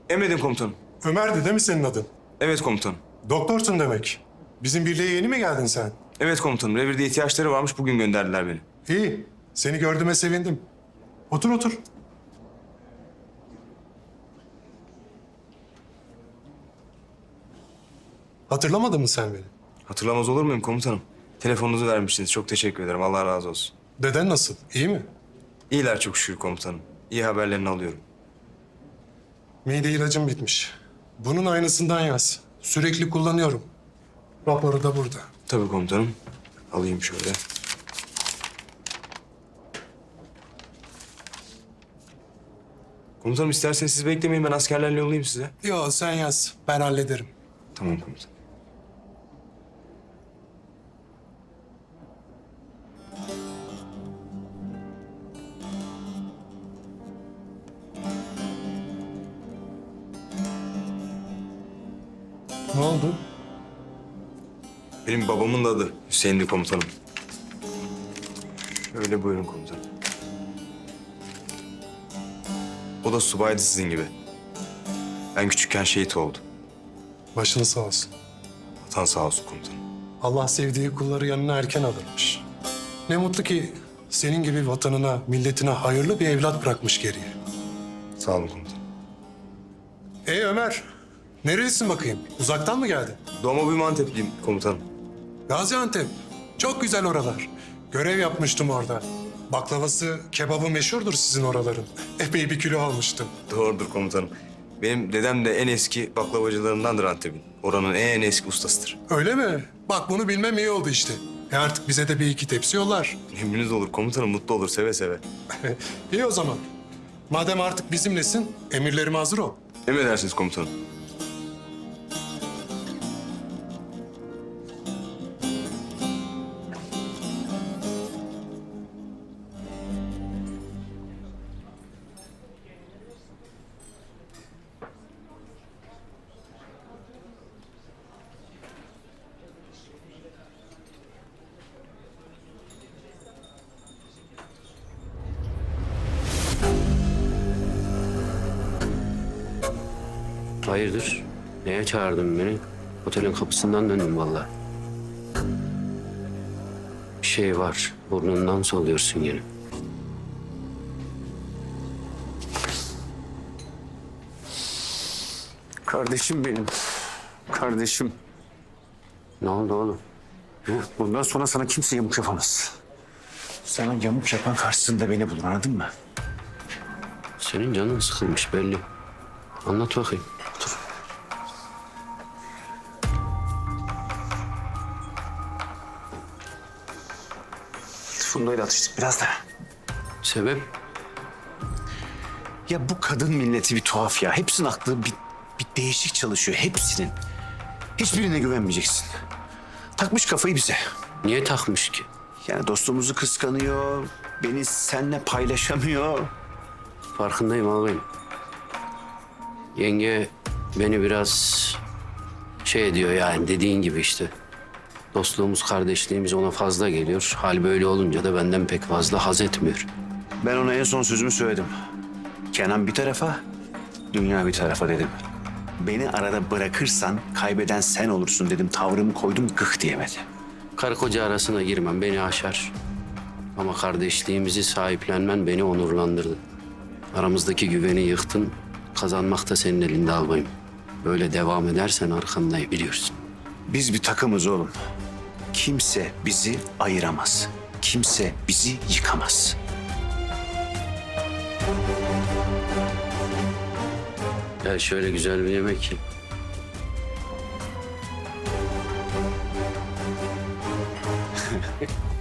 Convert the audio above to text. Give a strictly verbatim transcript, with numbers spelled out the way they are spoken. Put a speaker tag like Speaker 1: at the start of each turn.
Speaker 1: Emredin komutanım.
Speaker 2: Ömer'di değil mi senin adın?
Speaker 1: Evet komutanım.
Speaker 2: Doktorsun demek. Bizim birliğe yeni mi geldin sen?
Speaker 1: Evet komutanım. Revirde ihtiyaçları varmış. Bugün gönderdiler beni.
Speaker 2: İyi. Seni gördüğüme sevindim. Otur otur. Hatırlamadın mı sen beni?
Speaker 1: Hatırlamaz olur muyum komutanım? Telefonunuzu vermiştiniz. Çok teşekkür ederim. Allah razı olsun.
Speaker 2: Deden nasıl? İyi mi?
Speaker 1: İyiler çok şükür komutanım. İyi haberlerini alıyorum.
Speaker 2: Mide ilacım bitmiş. Bunun aynısından yaz. Sürekli kullanıyorum. Raporu da burada.
Speaker 1: Tabii komutanım. Alayım şöyle. Komutanım isterseniz siz beklemeyin. Ben askerlerle yollayayım size.
Speaker 2: Yo sen yaz. Ben hallederim.
Speaker 1: Tamam komutanım.
Speaker 2: Ne oldu?
Speaker 1: Benim babamın da adı Hüseyin'di komutanım. Şöyle buyurun komutanım. O da subaydı sizin gibi. Ben küçükken şehit oldu.
Speaker 2: Başını sağ olsun.
Speaker 1: Vatan sağ olsun komutanım.
Speaker 2: Allah sevdiği kulları yanına erken alırmış. Ne mutlu ki senin gibi vatanına, milletine hayırlı bir evlat bırakmış geriye.
Speaker 1: Sağ olun komutanım.
Speaker 2: Ey Ömer, nerelisin bakayım? Uzaktan mı geldin?
Speaker 1: Doğma büyüme Antepliyim komutanım.
Speaker 2: Gaziantep. Çok güzel oralar. Görev yapmıştım orada. Baklavası, kebabı meşhurdur sizin oraların. Epey bir kilo almıştım.
Speaker 1: Doğrudur komutanım. Benim dedem de en eski baklavacılarındandır Antep'in. Oranın en eski ustasıdır.
Speaker 2: Öyle mi? Bak bunu bilmem iyi oldu işte. E artık bize de bir iki tepsi yollar.
Speaker 1: Emriniz olur komutanım, mutlu olur seve seve.
Speaker 2: İyi o zaman. Madem artık bizimlesin, emirlerime hazır ol.
Speaker 1: Emredersiniz komutanım.
Speaker 3: Hayırdır? Neye çağırdın beni? Otelin kapısından döndüm vallahi. Bir şey var. Burnundan soluyorsun yine.
Speaker 4: Kardeşim benim. Kardeşim.
Speaker 3: Ne oldu oğlum?
Speaker 4: Bundan sonra sana kimse yamuk yapamaz. Sana yamuk yapan karşısında beni bulur, anladın mı?
Speaker 3: Senin canın sıkılmış belli. Anlat bakayım.
Speaker 4: Dur. Funda'yla atıştık biraz da.
Speaker 3: Sebep?
Speaker 4: Ya bu kadın milleti bir tuhaf ya. Hepsinin aklı bir, bir değişik çalışıyor. Hepsinin. Hiçbirine güvenmeyeceksin. Takmış kafayı bize.
Speaker 3: Niye takmış ki?
Speaker 4: Yani dostluğumuzu kıskanıyor. Beni seninle paylaşamıyor.
Speaker 3: Farkındayım ağabeyim. Yenge beni biraz şey ediyor yani dediğin gibi işte. Dostluğumuz, kardeşliğimiz ona fazla geliyor. Hal böyle olunca da benden pek fazla haz etmiyor.
Speaker 4: Ben ona en son sözümü söyledim. Kenan bir tarafa, dünya bir tarafa dedim. Beni arada bırakırsan kaybeden sen olursun dedim. Tavrımı koydum, gık diyemedi.
Speaker 3: Karı koca arasına girmem beni aşar. Ama kardeşliğimizi sahiplenmen beni onurlandırdı. Aramızdaki güveni yıktın. Kazanmak da senin elinde albayım. Böyle devam edersen arkandayım biliyorsun.
Speaker 4: Biz bir takımız oğlum. Kimse bizi ayıramaz. Kimse bizi yıkamaz.
Speaker 3: Gel şöyle güzel bir yemek ye.